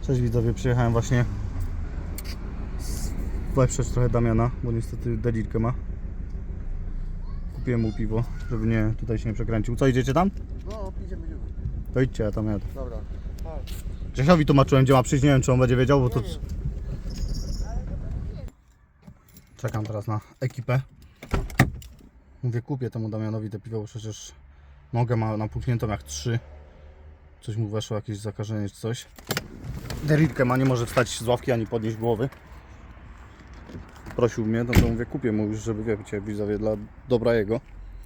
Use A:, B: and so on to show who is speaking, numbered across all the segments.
A: Cześć widzowie, przyjechałem właśnie wesprzeć trochę Damiana, bo niestety dedilkę ma. Kupiłem mu piwo, żeby nie, tutaj się nie przekręcił. Co, idziecie tam?
B: No, idziemy.
A: To idźcie, ja tam jadę.
B: Dobra.
A: Grzesiowi tłumaczyłem, gdzie ma przyjść, nie wiem czy on będzie wiedział, bo to... Czekam teraz na ekipę. Mówię, kupię temu Damianowi te piwo, bo przecież nogę ma napuchniętą jak 3. Coś mu weszło, jakieś zakażenie czy coś. Derilkę ma, nie może wstać z ławki ani podnieść głowy. Prosił mnie, no to mówię, kupię mu już, żeby wiecie, widzowie, dla dobra jego.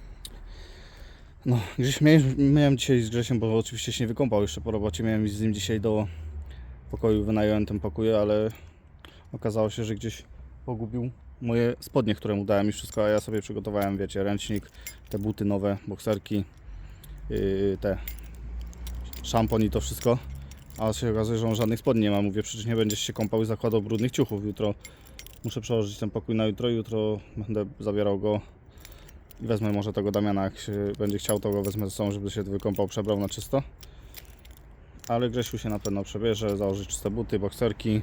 A: No, gdzieś miałem dzisiaj z Grzesiem, bo oczywiście się nie wykąpał jeszcze po robocie. Miałem iść z nim dzisiaj do pokoju, wynająłem ten pokój, ale okazało się, że gdzieś pogubił moje spodnie, które mu dałem i wszystko, a ja sobie przygotowałem, wiecie, ręcznik, te buty nowe, bokserki, te szampon i to wszystko. A się okazuje, że on żadnych spodni nie ma. Mówię, przecież nie będziesz się kąpał i zakładał brudnych ciuchów. Jutro muszę przełożyć ten pokój na jutro. Jutro będę zabierał go i wezmę może tego Damiana, jak się będzie chciał, to go wezmę ze sobą, żeby się wykąpał, przebrał na czysto. Ale Grzesiu się na pewno przebierze, założy czyste buty, bokserki.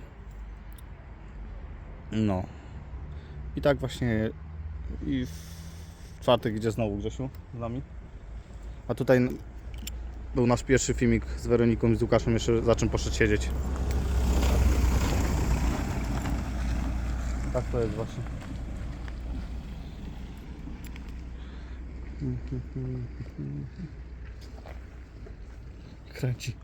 A: No. I tak właśnie i w czwartek idzie znowu Grzesiu z nami. A tutaj był nasz pierwszy filmik z Weroniką i z Łukaszem, jeszcze za czym poszedł siedzieć. Tak to jest właśnie. Kręci.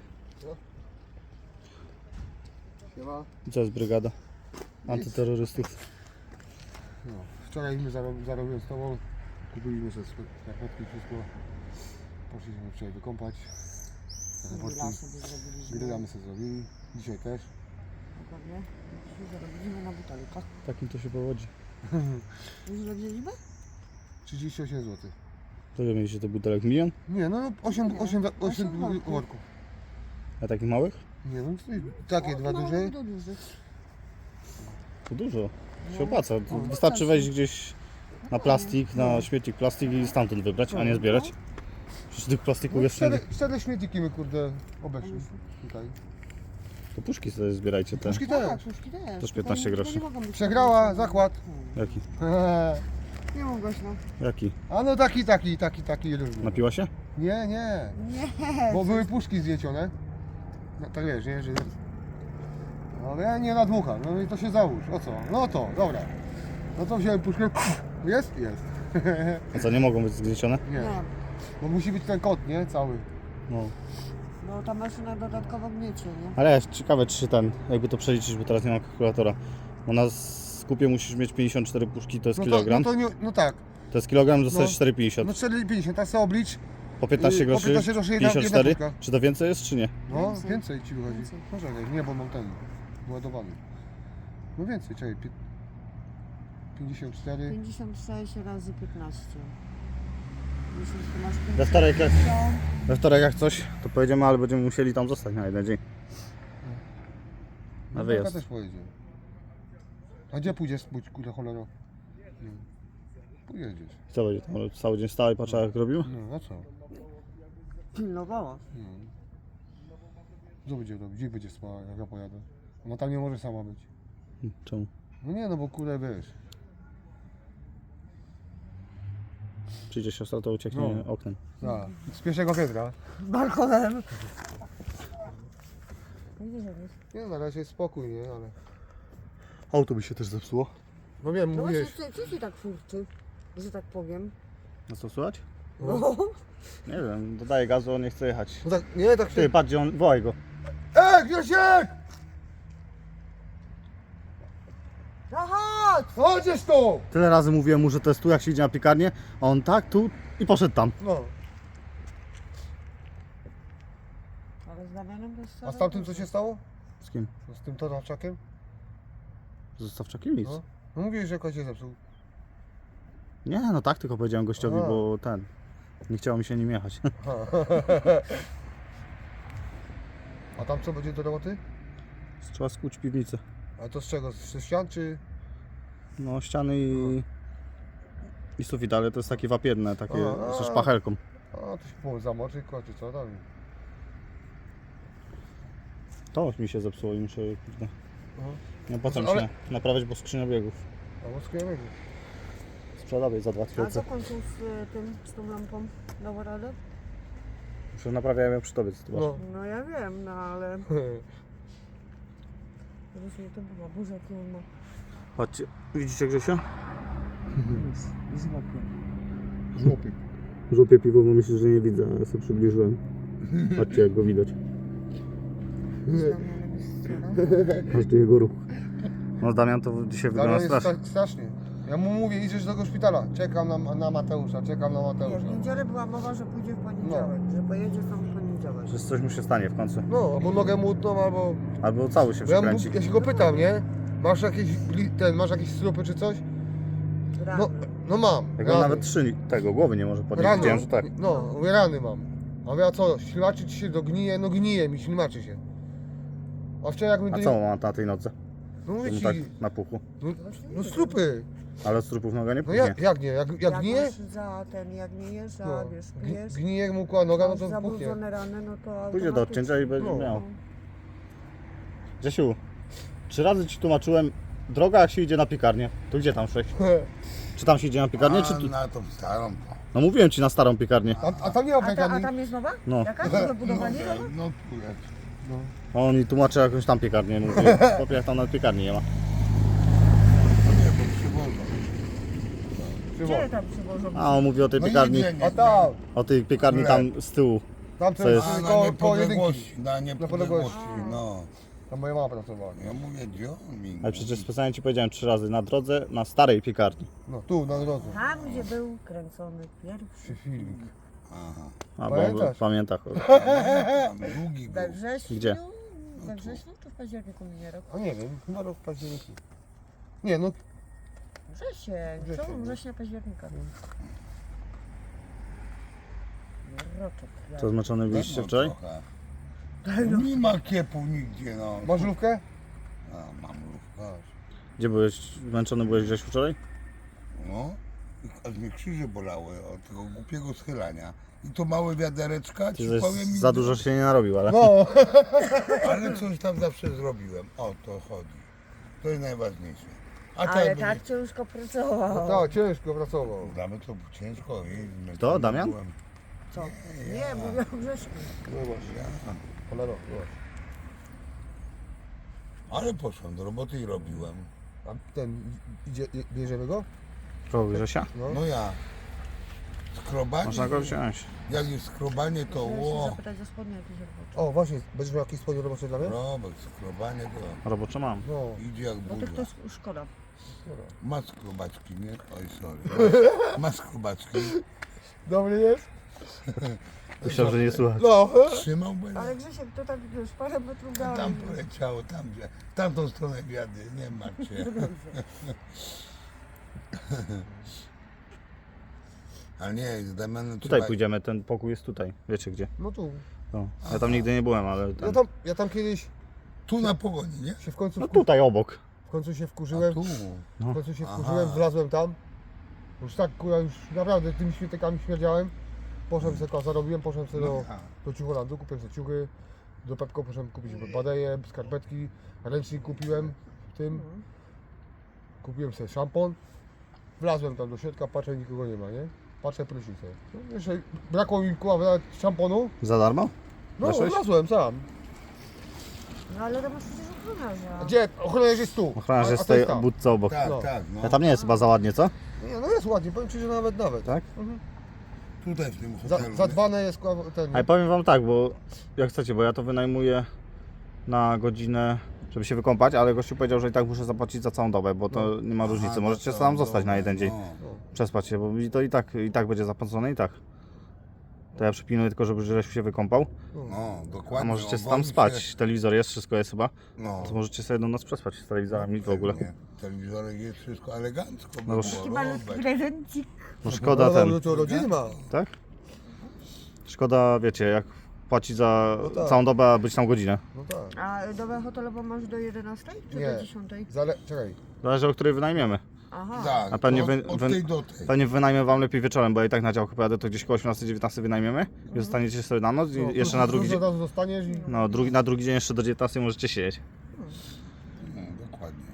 B: Siema.
A: Co jest brygada antyterrorystów?
B: No, wczoraj my zarobiłem z tobą. Kupiliśmy sobie skarpetki, wszystko. Poszliśmy wczoraj wykąpać.
C: Grilla sobie zrobiliśmy.
B: Grillamy sobie zrobili. Dzisiaj też.
C: Dokładnie. Dzisiaj zarobiliśmy na butelkach.
A: Takim to się powodzi.
C: Już ile wzięliśmy?
B: 38 zł.
A: To ile mieliście te butelek? Milion?
B: Nie, no 8
C: Osiem worków.
B: worków.
A: A takich małych?
B: Nie, no takie dwa
C: Małych
B: duże.
C: do dużych.
A: To dużo.
C: No.
A: Się opłaca.
C: No,
A: Wystarczy
C: opłaca
A: wejść
C: się.
A: gdzieś na plastik, na śmietnik plastik i stamtąd wybrać, a nie zbierać. Przecież tych plastików
B: No,
A: jest wszędzie.
B: cztery śmietniki my kurde obeszli tutaj.
A: To puszki sobie zbierajcie te.
B: Puszki
C: Tak,
B: też.
C: puszki też.
A: Też
C: Tylko
A: 15
C: nie
A: groszy.
C: mogą być
B: Przegrała
C: takie
B: zakład.
A: Jaki?
C: Nie mogłeś, no.
A: Jaki?
B: A no taki różny.
A: Napiła się?
B: Nie.
C: Nie.
B: Bo były puszki zjecione. No tak wiesz, nie? Że... No ja nie nadmucham, no i to się załóż. O co? No to, dobra. No to wziąłem puszkę. Jest? Jest.
A: A co, nie mogą być zgniecione?
B: Nie.
C: Nie.
B: Bo musi być ten kod, nie? Cały.
A: No.
C: Bo ta maszyna dodatkowo gniecie, nie?
A: Ale jest ciekawe, czy się jakby to przeliczyć, bo teraz nie mam kalkulatora. Bo na skupie musisz mieć 54 puszki, to jest
B: No
A: kilogram.
B: To, no, to nie, no tak.
A: To jest kilogram, dostajesz
B: No.
A: 4,50.
B: No 4,50, tak sobie oblicz.
A: Po 15
B: po
A: groszy,
B: 15 groszy jedna
A: 54.
B: puszka.
A: Czy to więcej jest, czy nie?
B: No
C: Więcej.
B: więcej ci wychodzi.
C: Więcej.
B: Poczekaj, nie, bo mam ten ładowany. No więcej, czekaj. 54.
C: 56 razy 15.
A: We wtorek jak coś, to pojedziemy, ale będziemy musieli tam zostać na jeden dzień. Na
B: No,
A: wyjazd.
B: taka też pojedzie. A gdzie pójdziesz, bądź kurde cholero? Nie. Pojedziesz.
A: Co będzie tam? Cały dzień stał i patrzył jak robił?
B: No, a co?
C: Pilnowała.
B: No. Co będzie robić? Gdzie będzie spała, jak ja pojadę? Ona tam nie może sama być.
A: Czemu?
B: No nie, no bo kurde wiesz.
A: Przyjdzie siostra, to ucieknie
B: No.
A: oknem.
B: Tak. Z pierwszego piętra.
C: Balkonem. Gdzie żebyś?
B: Nie, na razie jest spokój, nie, ale...
A: Auto by się też zepsuło.
B: No wiem,
C: No właśnie,
B: mówisz.
C: co ci tak furczy, że tak powiem?
A: No co słychać?
C: No.
A: Nie wiem, dodaję gazu, on nie chce jechać.
B: No tak, nie, tak
A: Ty,
B: się...
A: patrz, gdzie on, wołaj go.
B: Grzesiek!
C: No chodź!
B: Chodzisz tu!
A: Tyle razy mówiłem mu, że to jest tu, jak się idzie na piekarnię, a on tak, tu i poszedł tam.
B: No.
C: Ale z Damianem to jest
B: A z tamtym co się stało?
A: Z kim?
B: Z tym toraczakiem?
A: Z Zostawczakiem nic.
B: No. No mówiłeś, że kocie zepsuł.
A: Nie, no tak, tylko powiedziałem gościowi,
B: Aha.
A: bo ten, nie chciało mi się nim jechać.
B: A tam co będzie do roboty?
A: Trzeba skuć piwnicę.
B: A to z czego? Ze ścian czy?
A: No, ściany i sufit, ale to jest takie wapienne, takie
B: A.
A: ze szpachelką.
B: A to się zamoczy, czy co tam?
A: To mi się zepsuło i muszę, kurde,
B: Aha.
A: no potem
B: Ale-
A: się naprawiać, bo skrzynia biegów.
B: A łaskujemy.
A: Sprzedawej za
C: A
A: 2000.
C: co końcu z tą lampą? Dało radę?
A: Przecież naprawiałem ją przy tobie, co ty masz.
B: No.
C: No ja wiem, no ale... Właśnie to była burza, jaką on ma.
A: Chodźcie, widzicie Grzesia?
B: Żłopy.
A: Żółpie piwo, bo myślę, że nie widzę, ale sobie przybliżyłem. Patrzcie jak go widać. Każdy jego ruch. No Damian to dzisiaj
B: Damian
A: wygląda
B: jest
A: strasznie.
B: strasznie. Ja mu mówię, idziesz do tego szpitala. Czekam na Mateusza, czekam na
C: Nie,
B: Mateusza.
C: w niedzielę była mowa, że pójdzie w poniedziałek, że pojedzie sam w poniedziałek.
A: Że coś mu się stanie w końcu.
B: No, albo nogę mu utną, albo...
A: Albo cały się
B: Bo ja,
A: przekręci.
B: ja się go pytam, nie? Masz jakieś, masz jakieś strupy czy coś?
C: Rany.
B: No, no mam.
A: Jak on nawet tego głowy nie może podnieść. Widziałem, że tak.
B: No, mówię, rany mam. A mówię, a co, ślimaczy ci się dognije? No gnije mi, ślimaczy się. A wczoraj jak my...
A: A co on ma na tej nodze?
B: No
A: Że
B: mówię
A: mu
B: ci,
A: tak napuchło.
B: no strupy.
A: Ale od strupów noga nie
B: No
A: puchnie.
B: jak nie? Jak gnije?
C: masz za ten, jak nie jesz, a
B: No,
C: wiesz, pijesz,
B: gnije mu kła noga, no
C: masz
B: to puchnie.
C: zabrudzone rany, no to
A: Pójdzie do odcięcia i będzie
B: No.
A: miał. Grzesiu, 3 razy ci tłumaczyłem, droga jak się idzie na piekarnię. To gdzie tam szłeś? Czy tam się idzie na piekarnię, czy tu?
D: Na tą starą to.
A: No mówiłem ci na starą piekarnię.
B: A tam nie ma
C: A
B: piekarni?
C: tam jest nowa?
A: No.
C: Jakaś do wybudowania?
D: No tu jest.
A: A on mi tłumaczy jakąś tam piekarnię. Mówi, chłopie, jak tam na piekarni nie ma.
D: No nie, bo przywożą.
C: Gdzie tam przywożą?
A: A on mówi o tej
D: No
A: piekarni,
D: jedzenie.
B: A tam,
A: o tej piekarni tam z tyłu.
B: tam
A: Co
B: co
A: jest?
B: jest
D: A na
B: koło jedynki.
D: niepodległości, na niepodległości, no.
B: Tam moja mama pracowała.
D: Ja mówię, gdzie on mi?
A: Ale przecież specjalnie ci powiedziałem 3 razy na drodze, na starej piekarni.
B: No, tu, na drodze.
C: Tam, gdzie był kręcony pierwszy.
B: Przy filmik.
D: Aha.
A: A
B: Pamiętasz?
A: pamięta.
D: Tam długi był.
C: We wrześniu?
A: Gdzie?
C: We wrześniu czy w październiku minie rok?
B: A nie wiem, chyba rok października. Nie, no,
C: Wrzesień,
B: Wrzesień,
C: przełom
B: no.
C: września, października. Roczek.
A: Co, zmęczony byliście
D: No,
A: wczoraj?
D: trochę. Nie ma kiepów nigdzie, no.
B: masz żówkę?
D: A, mam lówkę.
A: Gdzie byłeś? Zmęczony byłeś gdzieś wczoraj?
D: No. Aż mnie krzyże bolały od tego głupiego schylania. I to małe wiadereczka,
A: Ty
D: ci
A: żeś
D: powiem mi,
A: za dużo się nie narobił, ale...
B: No,
D: ale coś tam zawsze zrobiłem. O, to chodzi. To jest najważniejsze. A
C: Ale
D: tak
C: tak ciężko pracował.
B: no tak, ciężko pracował.
D: Damy to ciężko. I
A: Kto, Damian?
D: byłem.
C: Co? Nie, mówię o Grześku.
B: No właśnie,
D: Ja.
B: cholera, zobacz.
D: Ale poszłem do roboty i robiłem.
B: A ten, bierzemy go?
A: Kogo Grzesia?
B: No.
D: No ja. Skrobanie.
A: Można go wziąć.
D: Jak jest skrobanie, to
C: Chciałem się
D: ło.
C: zapytać o spodnie jakieś robocze.
B: O, właśnie, będziesz miał jakieś spodnie robocze dla mnie?
D: Robert, skrobanie to
A: Robocze mam.
B: No,
D: idzie jak
C: No to
D: burza.
C: jest szkoda.
B: dobra.
D: Ma skrobaczki, nie? Oj, sorry. Ma skrobaczki.
B: Dobry jest?
A: Myślałem, że nie słuchać.
B: No,
D: Trzymał będę.
C: Ale Grzesiek to tak wiesz, parę metrów dalej.
D: Tam poleciało, tam gdzie. W tamtą stronę wiady, nie macie. Ale nie, z Damianem
A: Tutaj
D: trzeba-
A: pójdziemy, ten pokój jest tutaj. Wiecie gdzie?
B: no tu.
A: No. Ja tam nigdy nie byłem, ale
B: Ja tam kiedyś
D: Tu na pogoni, nie?
B: się w końcu,
A: No tutaj obok.
B: w końcu się
D: A
B: wkurzyłem.
D: tu.
B: W końcu się
D: Aha.
B: wkurzyłem, wlazłem tam. Już tak, kurwa, już naprawdę tymi świetykami śmierdziałem. Poszedłem sobie, zarobiłem, poszedłem sobie
D: No,
B: do ciucholandu, kupiłem sobie ciuchy. Do Pepko poszedłem kupić badeje, skarpetki, ręcznik kupiłem w tym. Kupiłem sobie szampon. Wlazłem tam do środka, patrzę, nikogo nie ma, nie? Patrzę, prysznicę. No, jeszcze brakło mi, kurwa, nawet szamponu.
A: Za darmo?
B: No,
A: Weszłeś?
B: wlazłem sam.
C: No ale to masz przecież ochroniarza.
B: A gdzie? Ochroniarz jest tu.
A: Ochroniarz
B: A
A: jest w
B: to
A: tej
B: tam.
A: budce obok.
D: tak,
B: No.
D: tak, no.
A: Ja tam nie jest chyba za ładnie, co?
B: Nie, no jest ładnie, powiem Ci, że nawet.
A: Tak?
B: Mhm.
D: Tutaj w tym hotelu.
B: Zadbane jest, kurwa, ten.
A: Ale powiem wam tak, bo jak chcecie, bo ja to wynajmuję na godzinę, żeby się wykąpać, ale gościu powiedział, że i tak muszę zapłacić za całą dobę, bo to nie ma różnicy. Możecie
D: to
A: sam zostać na jeden dzień.
D: No.
A: Przespać się, bo mi to i tak będzie zapłacone i tak. To ja przypilnuję tylko, żeby Grzesiu się wykąpał,
D: No, dokładnie.
A: a możecie
D: on
A: tam
D: woli
A: spać.
D: się-
A: Telewizor jest, wszystko jest chyba.
D: No.
A: To możecie sobie do nas przespać z telewizorami w ogóle.
D: Nie, telewizorek jest wszystko elegancko.
A: No
D: No,
A: bo-
C: Chyba prezencik.
A: No szkoda
B: no,
A: ten,
B: to rodziny ma.
A: tak? Szkoda, wiecie, jak płacić za
B: No tak.
A: całą dobę, a być tam godzinę.
B: No tak.
C: A dobę hotelową masz do 11 czy
B: Nie.
C: do 10?
B: Czekaj.
A: Zależy, o której wynajmiemy.
C: Aha.
D: Tak,
A: A pewnie
D: od tej do tej.
A: pewnie wynajmę wam lepiej wieczorem, bo ja i tak na działkę pojadę, to gdzieś koło 18-19 wynajmiemy i zostaniecie sobie na noc i
B: No,
A: jeszcze na drugi
B: od
A: dzień.
B: razu zostaniesz i...
A: No, na drugi dzień jeszcze do 19 możecie siedzieć.
D: No, dokładnie.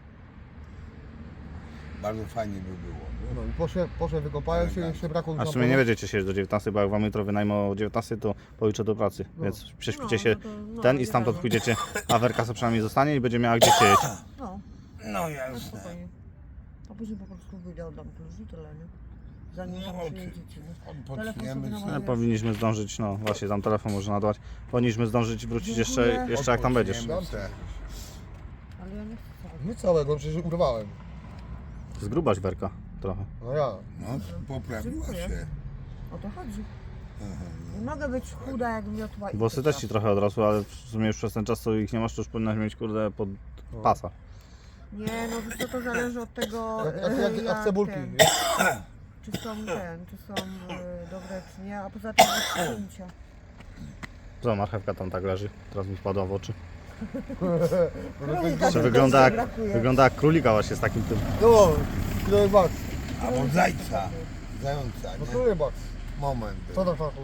D: Bardzo fajnie by było.
B: No i poszedłem, wykopałem się, jeszcze brakło mi
A: A w sumie nie będziecie siedzieć do 19, bo jak wam jutro wynajmę o 19, to pojutrze do pracy. Więc prześpicie się ten i stamtąd pójdziecie, a Werka sobie przynajmniej zostanie i będzie miała gdzie siedzieć.
C: No,
D: No jasne.
C: spokojnie. A później po prostu wyjdę, oddam klucz i tyle, nie? Zanim tam
D: No,
C: przyjedziecie, nie?
D: odpoczniemy
C: Telefon sobie
D: sobie.
C: na
A: Powinniśmy zdążyć, no właśnie tam telefon może nadać. Powinniśmy zdążyć i wrócić jeszcze jak tam będziesz.
D: Odpoczniemy se.
C: Ale ja nie chcę całego.
B: Nie całego, przecież urwałem.
A: Zgrubaś Werka trochę.
B: No ja.
D: No, poprawiła
C: Dziękuję.
D: się.
C: O to chodzi. Nie mogę być chuda jak miotła i
A: Włosy też ci trochę odrosły, ale w sumie już przez ten czas, co ich nie masz, to już powinnaś mieć kurde pod pasa.
C: Nie, no wiesz co, to zależy od tego,
B: Jak cebulki.
C: ten,
B: nie?
C: czy są dobre, czy nie, a poza tym od cięcia.
A: Co, marchewka tam tak leży, teraz mi wpadła w oczy.
C: Królika
A: Jeszcze
C: tylko
A: wygląda
C: brakuje.
A: jak królika właśnie z takim tym.
B: No, kilo baks.
D: Albo zajca. Zająca,
B: No
D: nie?
B: kilo baks.
D: Moment.
B: Co tam fachu?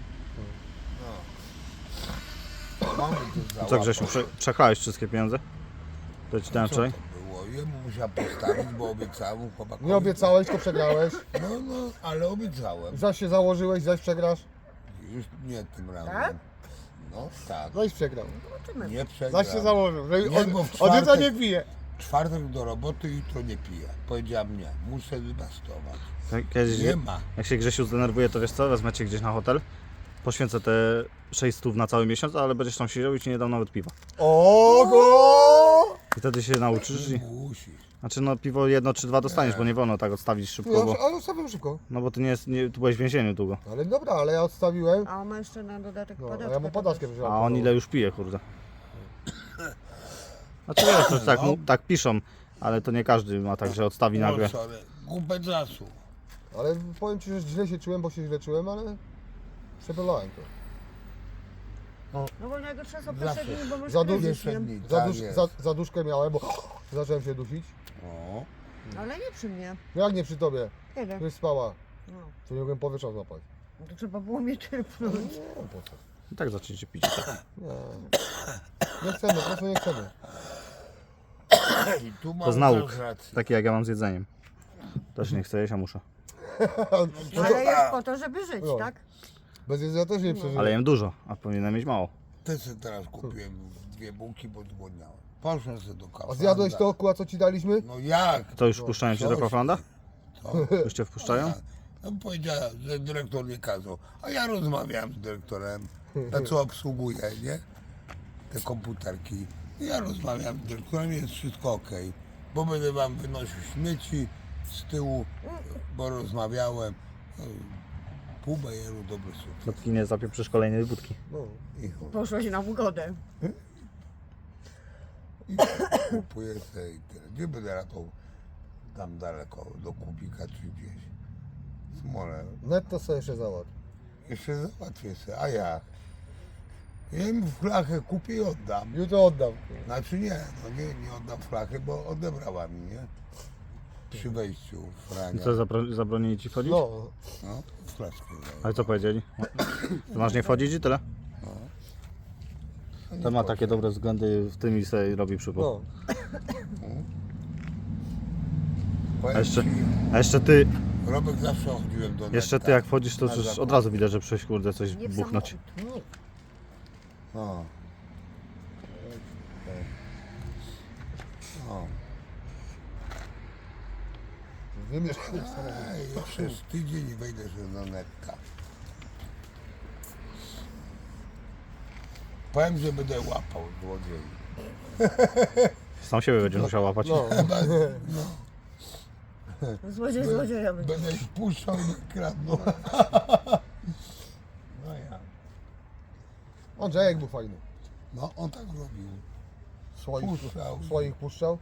D: Mamy tu
A: Co Grzesiu, przechałeś wszystkie pieniądze? To ci dałem
D: Co to
A: wczoraj?
D: było? Jemu musiał postawić, bo obiecałem chłopakowi.
B: Nie obiecałeś, to przegrałeś.
D: No, ale obiecałem.
B: Zaś się założyłeś, zaś przegrasz.
D: Już nie tym razem.
C: Tak?
D: No tak.
B: Zaś przegrał.
C: Zobaczymy.
D: Nie przegram.
B: Zaś się założył, że
D: Nie, bo w
B: od jutra
D: czwartek-
B: nie pije.
D: Czwartek do roboty, jutro nie piję. Powiedziałem nie, muszę wybastować.
A: Kiedyś,
D: Nie ma.
A: jak się Grzesiu zdenerwuje, to wiesz co, wezmę cię gdzieś na hotel, poświęcę te 600 na cały miesiąc, ale będziesz tam siedział i ci nie dam nawet piwa.
B: O go!
A: I wtedy się nauczysz i...
D: Musisz.
A: Znaczy no piwo 1 czy 2 dostaniesz, bo nie wolno tak odstawić szybko, bo...
B: Ale odstawiłem szybko.
A: No bo ty tu byłeś w więzieniu długo.
B: Ale dobra, ale ja odstawiłem.
C: A on ma jeszcze na dodatek
B: No, a
C: padaczkę.
B: ja mam padaczkę
C: też.
B: wziąłem.
A: A on ile już pije, kurde. Znaczy wiesz, to tak, tak piszą, ale to nie każdy ma tak, że odstawi nagle.
D: No, sorry. Głupę czasu.
B: Ale powiem ci, że źle się czułem, bo się źle czułem, ale przebolałem to.
C: No bo jego trzeba sobie
D: Zawsze.
C: pierwsze dni, bo masz
B: Za dużo
C: kryzys,
D: Jeszcze
C: nie?
D: dni, tak jest.
B: Za duszkę miałem, bo zacząłem się dusić.
D: O,
C: Ale nie przy mnie.
B: No jak nie przy tobie?
C: Kiedy?
B: Ty spała.
C: No.
B: To nie mogłem powietrza złapać.
C: No to trzeba było mnie trypnąć.
B: No po co?
A: I tak zaczniecie pić.
B: Nie. Nie chcemy, po prostu nie chcemy.
D: i tu mam
A: To z nauk.
D: też rację.
A: Takie jak ja mam z jedzeniem. Też nie chcę jeść, a muszę.
C: No ale jest po to, żeby żyć,
B: No.
C: tak?
B: Bez jedzenia też nie przeżyję.
A: Ale jem dużo, a powinienem mieć mało.
D: Też sobie teraz kupiłem 2 bułki, bo zgłodniałem. Poszłem sobie do kawy.
B: A zjadłeś to okuła, co ci daliśmy?
D: No jak?
A: To już wpuszczają cię do
D: coś.
A: Kauflanda?
D: To?
A: Już cię wpuszczają?
D: No powiedziała, że dyrektor nie kazał. A ja rozmawiałem z dyrektorem, na co obsługuje, nie? Te komputerki. I ja rozmawiam z dyrektorem, jest wszystko ok. Bo będę wam wynosił śmieci z tyłu, bo rozmawiałem. No, pół bajeru, dobry sukces.
A: Dopóki nie zapieprzysz kolejnej budki.
B: No.
D: I chuj.
C: Poszłeś na ugodę.
D: I kupuję sobie i tyle. Gdzie będę ratał? Tam daleko, do Kubika czy gdzieś. Smole.
B: Netto sobie jeszcze załatw.
D: Jeszcze załatwię sobie, a jak? Ja im flachę kupię i oddam.
B: Jutro oddam.
D: Znaczy nie, no nie oddam flachy, bo odebrała mi, nie? Przy wejściu
A: I
D: Frania.
A: co, zabronili ci wchodzić?
B: No.
D: No, flaszkę daję.
A: Ale co powiedzieli? Ty masz nie wchodzić i tyle? To ma takie dobre względy, w tym i sobie robi przypał.
B: No.
A: A jeszcze ty,
D: Robek zawsze chodziłem do
A: jeszcze
D: Netka.
A: ty jak wchodzisz, to
D: Na
A: już
D: zakupy.
A: od razu widać, że przejść kurde coś
C: Nie w
A: buchnąć.
C: samochód.
D: O. O.
B: Wymierz.
D: Ej, przez tydzień wejdę się do Netka. Powiem, że będę łapał złodziei.
A: Sam siebie będziesz musiał łapać.
B: No.
C: Złodzieja będzie.
D: Będę ich puszczał i nie kradną. No ja.
B: Andrzejek był fajny.
D: No, on tak robił. Puszczał.
B: Swoich puszczał.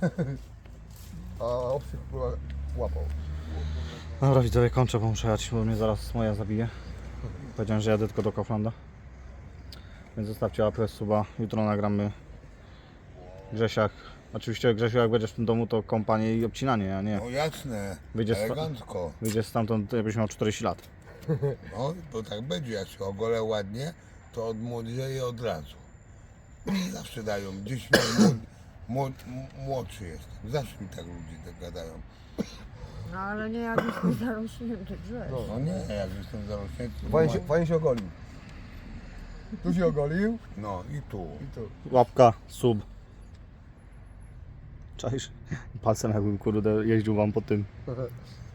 B: A obcych łapał.
A: Dobra widzowie, kończę, bo muszę jechać, bo mnie zaraz moja zabije. Powiedziałem, że jadę tylko do Kauflanda. Więc zostawcie łapę, suba. Jutro nagramy Grzesiak Oczywiście, Grzesiu, jak będziesz w tym domu, to kąpanie i obcinanie, a nie
D: No jasne,
A: Wyjdzie
D: elegancko.
A: wyjdziesz stamtąd, jakbyś miał 40 lat.
D: No, to tak będzie, jak się ogolę ładnie, to odmłodzieje od razu. Mi zawsze dają, 10 lat młodszy jestem. Zawsze mi tak ludzie tak gadają.
C: No ale nie jak jestem zarośnięty drzew.
B: No.
D: No nie, jak jestem zarośnięty.
B: Fajnie się ogolił. Tu się ogolił
D: No i tu.
B: i tu.
A: Łapka, sub. Czaisz? Palcem jakbym kurde jeździł wam po tym.